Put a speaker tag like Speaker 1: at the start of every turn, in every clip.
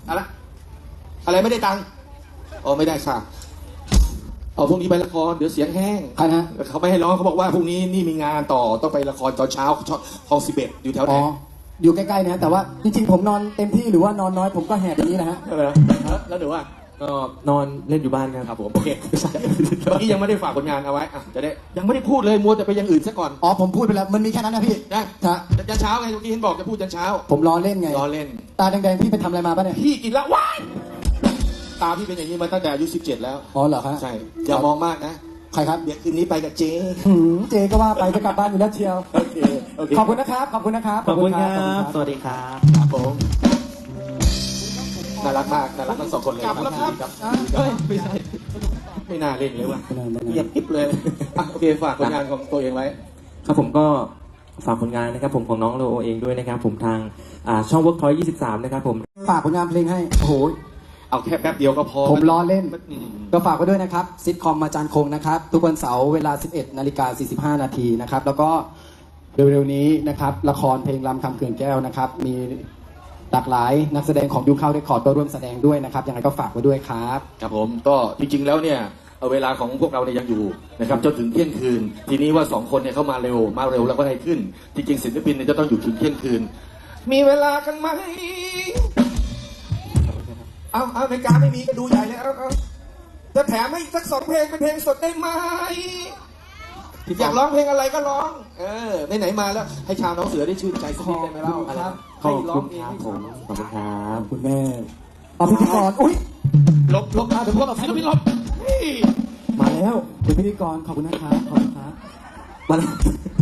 Speaker 1: อะไรไม่ได้ตังค์อ๋อไม่ได้ค่ะเอาพรุ่งนี้ไปละครเดี๋ยวเสียงแห้ง
Speaker 2: ใครนะ
Speaker 1: เขาไม่ให้ร้องเขาบอกว่าพรุ่งนี้นี่มีงานต่อต้องไปละครตอนเช้าคลอง11อยู่แถวไหน
Speaker 2: อ๋ออยู่ใกล้ๆนะแต่ว่าจริงๆผมนอนเต็มที่หรือว่านอนน้อยผมก็แหบอย่างนี้นะฮะ
Speaker 1: แล้วหนูว่า
Speaker 3: ก็นอนเล่นอยู่บ้านครับ
Speaker 1: ครับผมโอเคเมื่อกี้ยังไม่ได้ฝากผลงานเอาไว้อ่ะจะได้ยังไม่ได้พูดเลยมัวแต่ไปอย่างอื่นซะก่อน
Speaker 2: อ๋อผมพูดไปแล้วมันมีแค่นั้นนะพี่
Speaker 1: นะ
Speaker 2: ฮะ
Speaker 1: ยันเช้าไงเมื่อกี้เห็นบอกจะพูดยันเช้า
Speaker 2: ผมล้อเล่นไง
Speaker 1: รอเล่น
Speaker 2: ตาแดงๆพี่ไปทำอะไรมาปะเนี่ย
Speaker 1: พี่กินละว้ายตาพี่เป็นอย่างนี้มาตั้งแต่อายุ17แล้ว
Speaker 2: อ๋อเหรอครับ
Speaker 1: ใช่อย่ามองมากนะ
Speaker 2: ใครครับ
Speaker 1: เดี๋ยวคืนนี้ไปกับเจ๊
Speaker 2: เจก็ว่าไปจะกลับบ้านอยู่แล้วเชียว
Speaker 1: โอเคโอเค
Speaker 2: ขอบคุณนะครับขอบคุณนะครับ
Speaker 3: ขอบคุณครับ
Speaker 2: ขอณ
Speaker 3: สวัสดีครับ
Speaker 1: ครับผมน่ารักมากน่ารักทั้งสองคนเลยกลับแล้วครับเฮ้ยไม่ใช่ไม่น่าเล่นเลยว่ะ
Speaker 2: ไม่เป็นไร
Speaker 1: เงียบกิ๊บเลยอ่ะโอเคฝากผลงานของตัวเองไว้
Speaker 3: ครับผมก็ฝากผลงานนะครับผมของน้องโลโอเองด้วยนะครับผมทางช่อง Workpoint 23 นะครับผม
Speaker 2: ฝากผลงานเพลงให้โอ้โห
Speaker 1: เอาแค่แป๊บเดียวก็พอ
Speaker 2: ผมล้อเล่น
Speaker 1: อืม
Speaker 2: ก็ฝากไว้ด้วยนะครับซิทคอมอาจารย์คงนะครับทุกวันเสาร์เวลา 11:45 นาทีนะครับแล้วก็เร็วๆนี้นะครับละครเพลงรำคำเขื่อนแก้วนะครับมีหลากหลายนักแสดงของยูเข้าเรคคอร์ดก็ร่วมแสดงด้วยนะครับยังไงก็ฝากไว้ด้วยครับ
Speaker 1: ครับผมก็จริงๆแล้วเนี่ยเวลาของพวกเราเนี่ยยังอยู่นะครับจนถึงเที่ยงคืน ทีนี้ว่าสองคนเนี่ยเข้ามาเร็วแล้วก็ได้ขึ้น จริงๆศิลปินเนี่ยจะต้องอยู่ถึงเที่ยงคืน มีเวลากันไหมเอาในการไม่มีก็ดูใหญ่เลยเอาจะแถมให้อีกสัก2 เพลงเป็นเพลงสดได้ไหมอยากร้องเพลงอะไรก็ร้องไหนๆมาแล้วให้ชาวน้องเสือได้ชื่นใจสักนิดได้ไหมเล่า
Speaker 2: ครับ
Speaker 3: ขอบคุณครับผมขอบคุณครับ
Speaker 2: คุณแม่เอาพิธีกรอุ้ย
Speaker 1: ลบเดี๋ยวพวกเราศิลปินลบ
Speaker 2: มาแล้วคุณพิธีกรขอบคุณนะครับขอบคุณครับมาแล้ว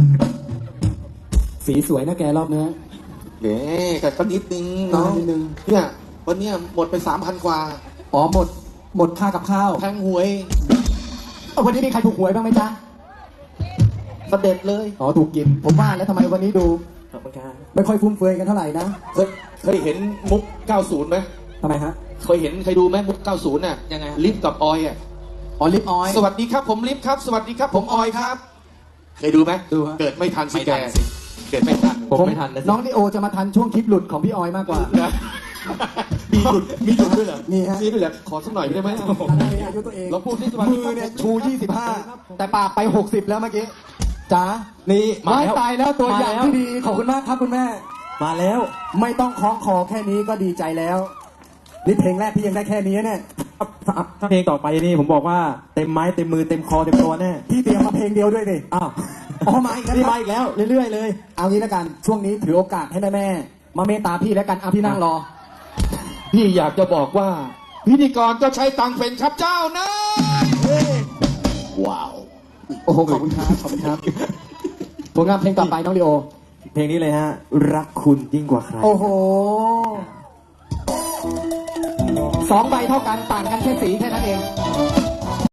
Speaker 2: สีสวยนะแกรอบเนี้ย
Speaker 1: แต่ก็นิดนึงน้อง
Speaker 2: นิดนึง
Speaker 1: เนี่ยวันเนี้ยหมดไป 3,000 กว่า
Speaker 2: อ๋อหมดค่ากับข้าว
Speaker 1: แพงหวย
Speaker 2: วันนี้มีใครถูกหวยบ้างไหมจ๊ะ
Speaker 1: เสด็จเลย
Speaker 2: อ๋อถูกกินผมว่าแล้วทำไมวันนี้ดู
Speaker 3: ขอบคุณครับ
Speaker 2: ไม่ค่อยฟุ่มเฟือยกันเท่าไหร่นะ
Speaker 1: เคยเห็นมุก 90ไหม
Speaker 2: ทำไมฮะ
Speaker 1: เคยดูไหมมุก 90น่ะ
Speaker 2: ยังไง
Speaker 1: ลิฟต์กับออยอ่ะ
Speaker 2: อ๋อลิปออยล์
Speaker 1: สวัสดีครับผมลิฟต์ครับ สวัสดีครับผมออยครับ เคยดูไหม
Speaker 2: ดูฮะ
Speaker 1: เกิดไม่ทันสิ
Speaker 3: ไม่
Speaker 1: แก
Speaker 3: ทันสิ
Speaker 1: เกิดไม่ทัน
Speaker 3: ผมไม่ทันนะสิ
Speaker 2: น้องดิโอจะมาทันช่วงคลิปหลุดของพี่ออยมากกว่า
Speaker 1: นะมีหยุดด้วยเหรอ
Speaker 2: มีฮะ
Speaker 1: มีด้วยเหรอขอสักหน่อยได้ไหม
Speaker 2: อายุตัวเอง
Speaker 1: เราพูดที่สวัสดี
Speaker 2: มื
Speaker 1: ครั
Speaker 2: อบ เนี่ยชู 25 แต่ปากไป 60 แล้วเมื่อกี้จ๋า
Speaker 3: นี่
Speaker 2: ไม่ตายแล้วตัวอย่าง
Speaker 3: มาแล้ว
Speaker 2: ที่ดีขอบคุณมากครับคุณแม่
Speaker 3: มาแล้ว
Speaker 2: ไม่ต้องคล้องคอแค่นี้ก็ดีใจแล้วนี่เพลงแรกพี่ยังได้แค่นี้เนี่ย
Speaker 3: ถ้าเพลงต่อไปนี่ผมบอกว่าเต็มไม้เต็มมือเต็มคอเต็มตัวแน่
Speaker 2: พี่เตรียมมาเพลงเดียวด้วยดิ
Speaker 3: อ้าว
Speaker 2: อ๋อมาอีกแล้ว
Speaker 3: นี่
Speaker 2: ค
Speaker 3: มา
Speaker 2: รับ
Speaker 3: อีกแล้วเรื่อยๆเลย
Speaker 2: เอางี้แล้วกันช่วงนี้ถือโอกาสให้แม่ๆมาเมตตาพี่แล้วกันเอาพี่นั่งรอ
Speaker 1: พี่อยากจะบอกว่า พิธีกรก็ใช้ตังค์เป็นครับเจ้านะว้าว
Speaker 2: โอ้โหขอบคุณครับขอบคุณครับผลงานเพลงต่อไปน้องดิโอ
Speaker 3: เพลงนี้เลยฮะ รักคุณยิ่งกว่าใคร
Speaker 2: โอ้โห2 ใบเท่ากันต่างกันแค่สีแค่นั้นเอง